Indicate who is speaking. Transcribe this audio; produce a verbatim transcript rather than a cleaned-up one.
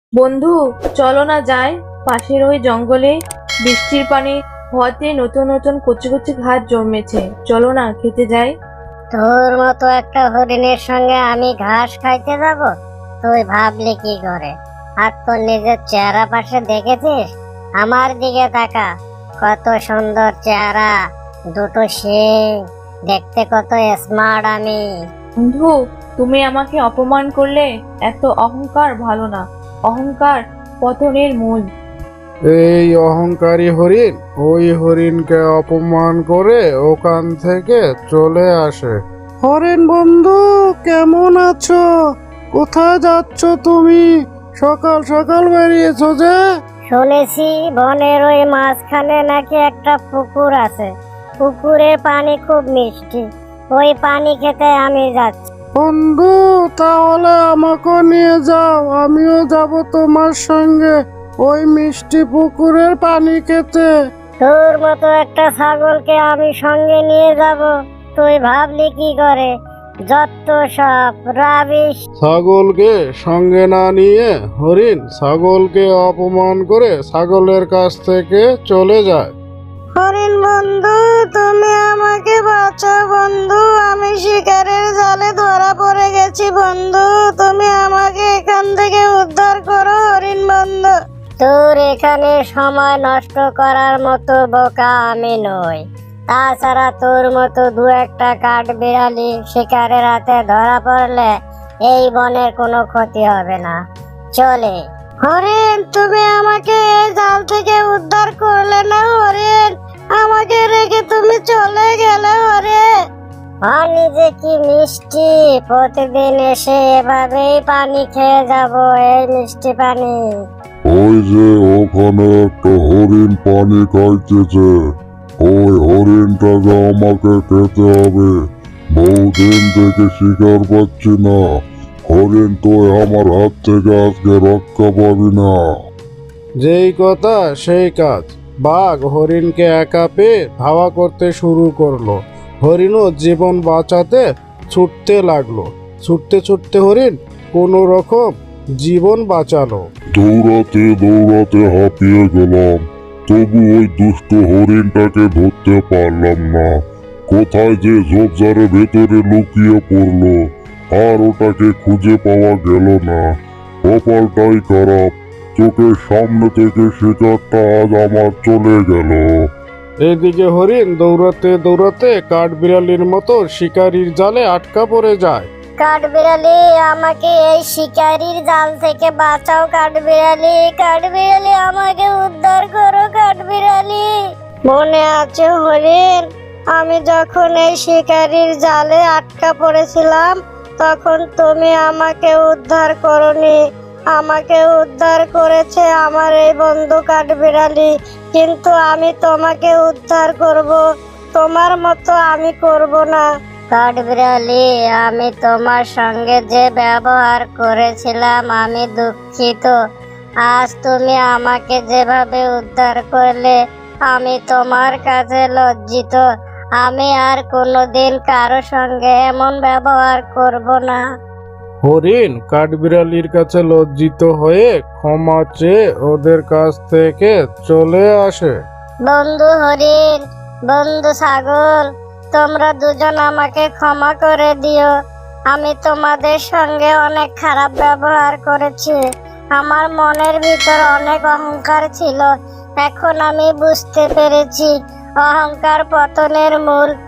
Speaker 1: বন্ধু, চলো না যাই পাশের ওই জঙ্গলে। বৃষ্টির পানি হওয়াতে নতুন নতুন কচি কচি ঘাস জন্মেছে। চলো না খেতে যাই।
Speaker 2: তোর মতো একটা হরিণের সঙ্গে আমি ঘাস খাইতে যাব? তুই ভাবলি কি করে? আর তোর নিজের চেহারা পাশে দেখেছিস? আমার দিকে তাকা, কত সুন্দর চেহারা, দুটো শিং, দেখতে কত স্মার্ট আমি।
Speaker 1: বন্ধু, তুমি আমাকে অপমান করলে। এত অহংকার ভালো না। অহংকার পতনের মূল।
Speaker 3: এই অহংকারী হরিণ ওই হরিণকে অপমান করে ওখান থেকে চলে আসে। হরিণ বন্ধু, কেমন আছো? কোথায় যাচ্ছ তুমি? সকাল সকাল বেরিয়েছো যে?
Speaker 2: শুনেছি বনের ওই মাঝখানে নাকি একটা পুকুর আছে। পুকুরের পানি খুব মিষ্টি, ওই পানি খেতে আমি যাচ্ছি।
Speaker 3: বন্ধু, তাহলে আমাকে নিয়ে যাও, আমিও যাব তোমার সঙ্গে ওই মিষ্টি পুকুরের পানি খেতে।
Speaker 2: তোর মতো একটা ছাগলকে আমি সঙ্গে নিয়ে যাব? তুই ভাবলি কি করে? যত সব রাবিশ।
Speaker 3: ছাগলকে সঙ্গে না নিয়ে হরিণ ছাগলকে অপমান করে ছাগলের কাছ থেকে চলে যায়।
Speaker 2: হরিণ বন্ধু, তুমি আমাকে বাঁচাও বন্ধু, আমি শিকারের জালে ধরা পড়ে গেছি বন্ধু, তুমি আমাকে এখান থেকে উদ্ধার করো হরিণ বন্ধু। তোর এখানে সময় নষ্ট করার মতো বোকা আমি নই। তাছাড়া তোর মতো দু একটা কাঠ বিড়ালি শিকারের হাতে ধরা পড়লে এই বনের কোনো ক্ষতি হবে না। চলে। হরিণ, তুমি আমাকে এই জাল থেকে উদ্ধার করলে না হরিণ, আমাকে রেখে তুমি চলে গেলে হরিণ। পানি যে কি মিষ্টি, প্রতিদিন এসে এভাবেই পানি খেয়ে যাব, এই মিষ্টি পানি।
Speaker 4: ওই যে ওখানে একটা হরিণ পানি খাইতেছে, ওই হরিণটাকে আমাকে খেতে হবে। বহুদিন থেকে শিকার পাচ্ছি না, হরিণ তুই আমার হাত থেকে আজকে রক্ষা পাবি না।
Speaker 3: যেই কথা সেই কাজ। বাঘ হরিণকে একা পেয়ে ধাওয়া করতে শুরু করলো। হরিণও জীবন বাঁচাতে ছুটতে লাগলো। ছুটতে ছুটতে হরিণ কোনো রকম জীবন বাঁচালো।
Speaker 4: দৌড়াতে দৌড়াতে হাঁপিয়ে গেলাম, তবু ওই দুষ্ট হরিণটাকে ধরতে পারলাম না। কোথায় যে ঝোপঝাড়ের ভেতরে লুকিয়ে পড়লো, আর ওটাকে খুঁজে পাওয়া গেল না। কপালটাই খারাপ, চোখের সামনে থেকে শিকারটা আজ আমার চলে গেল।
Speaker 3: এদিকে হরিণ দৌড়াতে দৌড়াতে কাঠবিড়ালির মতো শিকারীর জালে আটকা পড়ে যায়।
Speaker 2: কাঠবিড়ালি, আমাকে এই শিকারির জাল থেকে বাঁচাও কাঠবিড়ালি, কাঠবিড়ালি আমাকে উদ্ধার করো কাঠবিড়ালি। মনে আছে হরিণ, আমি যখন এই শিকারির জালে আটকা পড়েছিলাম তখন তুমি আমাকে উদ্ধার করনি। আমাকে উদ্ধার করেছে আমার এই বন্ধু কাঠবিড়ালি, কিন্তু আমি তোমাকে উদ্ধার করব, তোমার মতো আমি করব না। কাঠবিড়ালি, আমি তোমার সঙ্গে যে ব্যবহার করেছিলাম আমি দুঃখিত। আজ তুমি আমাকে যেভাবে উদ্ধার করলে আমি তোমার কাছে লজ্জিত। আমি আর কোনোদিন কারো সঙ্গে এমন ব্যবহার করব না।
Speaker 3: হরিণ কাঠবিড়ালির কাছে লজ্জিত হয়ে ক্ষমা চেয়ে ওদের কাছ থেকে চলে আসে।
Speaker 2: বন্ধু হরিণ, বন্ধু ছাগল, তোমরা দুজন আমাকে ক্ষমা করে দিও। আমি তোমাদের সঙ্গে অনেক খারাপ ব্যবহার করেছি। আমার মনের ভিতর অনেক অহংকার ছিল। এখন আমি বুঝতে পেরেছি অহংকার পতনের মূল।